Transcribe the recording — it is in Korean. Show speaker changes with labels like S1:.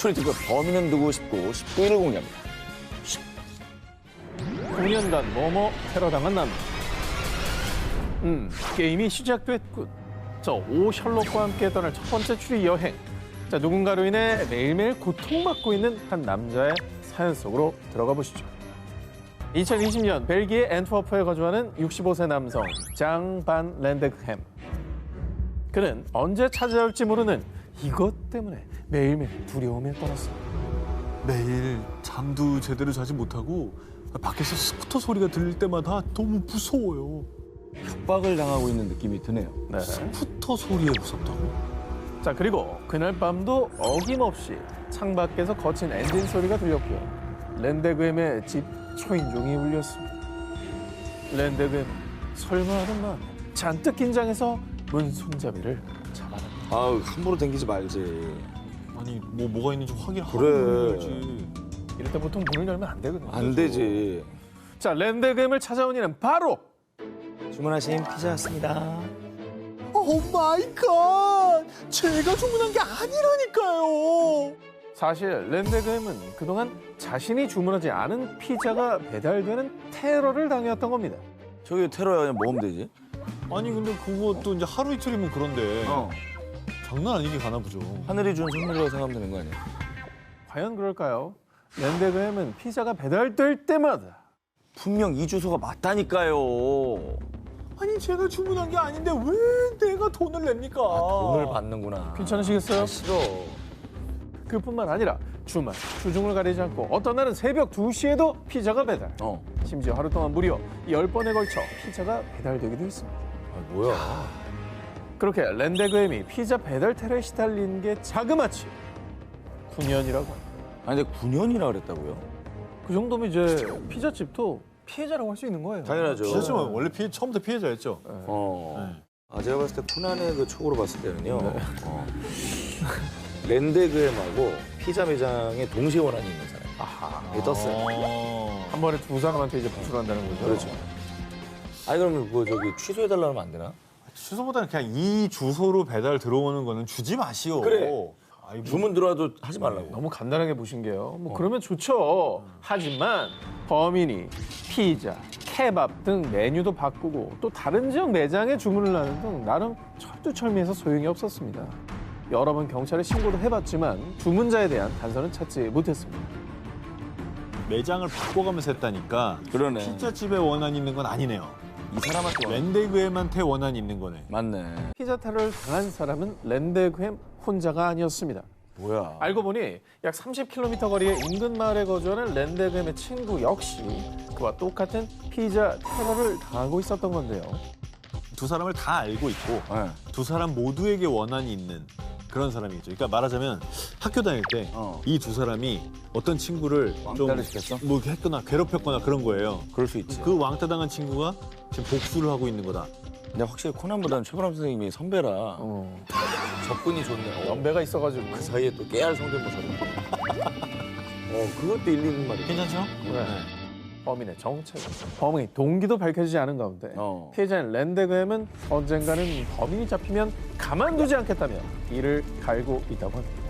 S1: 추리 특급 범인은 누구 19일 공개합니다.
S2: 9년간 뭐뭐 테러당한 남자. 게임이 시작됐군. 저 오 셜록과 함께 떠날 첫 번째 추리 여행. 자, 누군가로 인해 매일매일 고통받고 있는 한 남자의 사연 속으로 들어가 보시죠. 2020년 벨기에 앤트워프에 거주하는 65세 남성 장 반 랜데그햄. 그는 언제 찾아올지 모르는 이것 때문에 매일매일 두려움에 떨었습니다.
S3: 매일 잠도 제대로 자지 못하고 밖에서 스쿠터 소리가 들릴 때마다 너무 무서워요.
S1: 협박을 당하고 있는 느낌이 드네요.
S2: 네.
S3: 스쿠터 소리에 무섭다고?
S2: 자, 그리고 그날 밤도 어김없이 창밖에서 거친 엔진 소리가 들렸고요. 랜데그햄의 집 초인종이 울렸습니다. 랜데그햄 설마 하는 마음에 잔뜩 긴장해서 문 손잡이를 잡아냅니다.
S1: 아우, 함부로 당기지 말지.
S3: 아니 뭐가 있는지 확인하고
S1: 그래.
S3: 해야지.
S2: 이럴 때 보통 문을 열면 안 되거든요.
S1: 안 되지.
S2: 자, 랜데그햄을 찾아온 이는 바로
S1: 주문하신 피자 왔습니다.
S3: 오 마이 갓! 제가 주문한 게 아니라니까요.
S2: 사실 랜데그햄은 그동안 자신이 주문하지 않은 피자가 배달되는 테러를 당해왔던 겁니다.
S1: 저기 테러야 그냥 먹으면 되지.
S3: 아니 근데 그것도 이제 하루 이틀이면 그런데 장난 아니게 가나 보죠.
S1: 하늘이 준 선물이라고 생각하면 되는 거 아니야?
S2: 과연 그럴까요? 랜데그햄은 피자가 배달될 때마다
S1: 분명 이 주소가 맞다니까요.
S3: 아니 제가 주문한 게 아닌데 왜 내가 돈을 냅니까?
S1: 돈을 받는구나.
S2: 괜찮으시겠어요?
S1: 싫어.
S2: 그뿐만 아니라 주말, 주중을 가리지 않고 어떤 날은 새벽 2시에도 피자가 배달. 심지어 하루 동안 무려 10번에 걸쳐 피자가 배달되기도 했습니다.
S1: 아, 뭐야.
S2: 그렇게 랜데그햄이 피자 배달 테러에 시달린 게 자그마치 9년이라고 합니다.
S1: 아니 근데 9년이나 그랬다고요?
S2: 그 정도면 이제 피자집도 피해자라고 할 수 있는 거예요.
S1: 당연하죠.
S3: 피해자면 원래 처음부터 피해자였죠.
S1: 제가 봤을 때 코난의 그 촉으로 봤을 때는요. 랜데그햄하고 피자 매장에 동시에 원한이 있는 사람.
S2: 아하.
S1: 이게 떴어요.
S2: 한 번에 두 사람한테 이제 부출한다는 거죠.
S1: 그렇죠. 아니 그러면 그거 저기 취소해달라 하면 안 되나?
S3: 주소보다는 그냥 이 주소로 배달 들어오는 거는 주지 마시오.
S1: 그래.
S3: 아이고.
S1: 주문 들어와도 하지 말라고.
S2: 너무 간단하게 보신 게요. 뭐 그러면 좋죠. 하지만 범인이 피자, 케밥 등 메뉴도 바꾸고 또 다른 지역 매장에 주문을 하는 등 나름 철두철미해서 소용이 없었습니다. 여러 번 경찰에 신고도 해봤지만 주문자에 대한 단서는 찾지 못했습니다.
S3: 매장을 바꿔가면서 했다니까
S1: 그러네.
S3: 피자집에 원한이 있는 건 아니네요.
S1: 이 사람한테 원한.
S3: 랜데그햄한테 원한이 있는 거네.
S1: 맞네.
S2: 피자 테러를 당한 사람은 랜데그햄 혼자가 아니었습니다.
S1: 뭐야.
S2: 알고 보니 약 30km 거리의 인근 마을에 거주하는 랜데그햄의 친구 역시 그와 똑같은 피자 테러를 당하고 있었던 건데요.
S3: 두 사람을 다 알고 있고
S1: 네.
S3: 두 사람 모두에게 원한이 있는 그런 사람이죠. 그러니까 말하자면 학교 다닐 때 이 두 사람이 어떤 친구를
S1: 왕따를 시켰어?
S3: 뭐 했거나 괴롭혔거나 그런 거예요.
S1: 그럴 수 있지.
S3: 그 왕따 당한 친구가 지금 복수를 하고 있는 거다.
S1: 근데 확실히 코난보다는 최보람 선생님이 선배라 접근이 좋네요.
S2: 연배가 있어가지고.
S1: 그 사이에 또 깨알 성대모사를. 그것도 일리는 말이야.
S3: 괜찮죠?
S2: 네. 범인의 정체, 범의 동기도 밝혀지지 않은 가운데 피해자인 랜데그햄은 언젠가는 범인이 잡히면 가만두지 않겠다며 이를 갈고 있다고 합니다.